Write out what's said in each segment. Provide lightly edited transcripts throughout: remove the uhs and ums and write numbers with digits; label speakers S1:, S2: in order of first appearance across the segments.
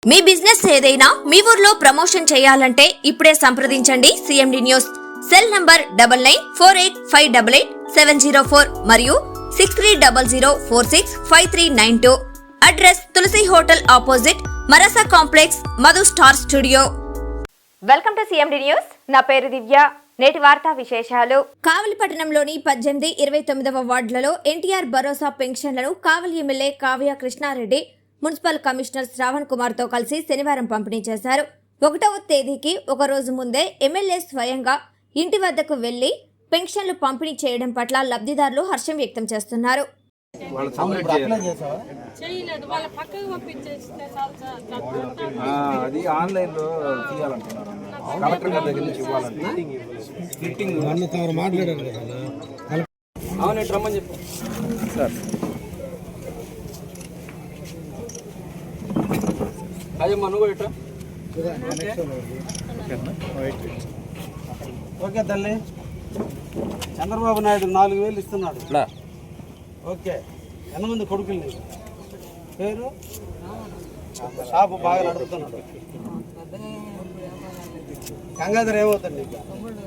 S1: మీ business ఏదైనా మీ ఊర్లో promotion చేయాలంటే ఇప్పుడే సంప్రదించండి సిఎండి న్యూస్. సెల్ నంబర్ 9948588704 మరియు 6300465392. అడ్రస్ తులసి హోటల్ ఆపోజిట్ మరసా complex, Madhu star studio. Welcome to CMD news. నా పేరు దివ్య. నేటి వార్తా విశేషాలు. కావలి పట్టణంలోని 18, 29వ వార్డులలో ఎన్టీఆర్ భరోసా పెన్షన్లను Kavali MLA Kavya Krishna Reddy municipal commissioner Shravan Kumar తో కలిసి శనివారం పంపిణీ చేశారు. 1వ తేదీకి ఒక రోజు ముందే ఎమ్మెల్యే స్వయంగా ఇంటి వద్దకు వెళ్లి పెన్షన్లు పంపిణీ చేయడం పట్ల లబ్ధిదారులు హర్షం వ్యక్తం చేస్తున్నారు.
S2: ఓకే తల్లి, చంద్రబాబు నాయుడు 4,000 ఇస్తున్నాడు. ఓకే, ఎంతమంది కొడుకులు నీకు? పేరు? షాపు బాగా నడుపుతున్నాడు. గంగాధర్ ఏమవుతాడు నీకు?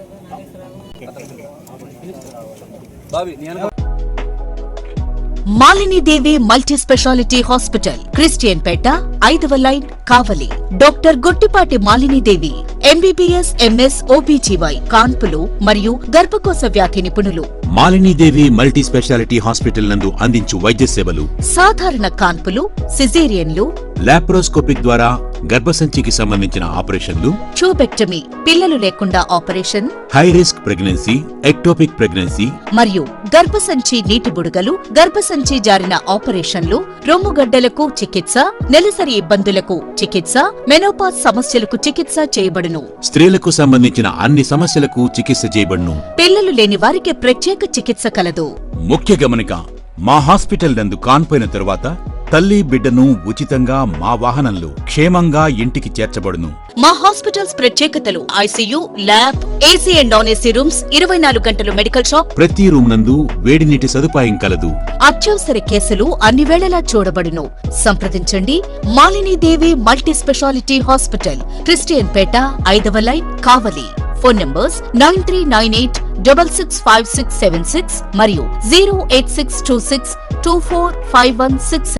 S3: Malini Devi multi specialty hospital, Christian పేట, 5వ line, Kavali. Doctor Gottipati Malini Devi MBBS, MS, OBGY, కాన్పులు మరియు గర్భకోశ వ్యాధి నిపుణులు.
S4: మాలినీదేవి మల్టీ స్పెషాలిటీ హాస్పిటల్ నందు అందించు వైద్య సేవలు:
S3: సాధారణ కాన్పులు, సిజేరియన్లు,
S4: లాప్రోస్కోపిక్ ద్వారా గర్భసంచికి సంబంధించిన ఆపరేషన్లు,
S3: ట్యూబెక్టమీ, పిల్లలు లేకుండా operation,
S4: high risk pregnancy, ectopic pregnancy
S3: మరియు గర్భసంచి నీటి బుడగలు, గర్భసంచి జారిన ఆపరేషన్లు, రొమ్ముగడ్డలకు చికిత్స, నెలసరి ఇబ్బందులకు చికిత్స, మెనోపాజ్ సమస్యలకు చికిత్స చేయబడును.
S4: స్త్రీలకు సంబంధించిన అన్ని సమస్యలకు చికిత్స చేయబడును.
S3: పిల్లలు లేని వారికి ప్రత్యేక చికిత్స కలదు.
S4: ముఖ్య గమనిక: మా హాస్పిటల్ నందు కాన్పోయిన తరువాత తల్లి బిడ్డను ఉచితంగా మా వాహనంలో క్షేమంగా ఇంటికి చేర్చబడును.
S3: మా హాస్పిటల్స్ ప్రత్యేకతలు: ICU, lab, AC and non AC rooms, 24 గంటలు మెడికల్ షాప్,
S4: ప్రతి రూమ్ నందు వేడి నీటి సదుపాయం కలదు.
S3: అత్యవసర కేసులు అన్ని వేళలా చూడబడును. సంప్రదించండి Malini Devi multi specialty hospital, Christian పేట, 5వ లైన్, కావలి. ఫోన్ నంబర్స్ 9398665676 మరియు 08626245166.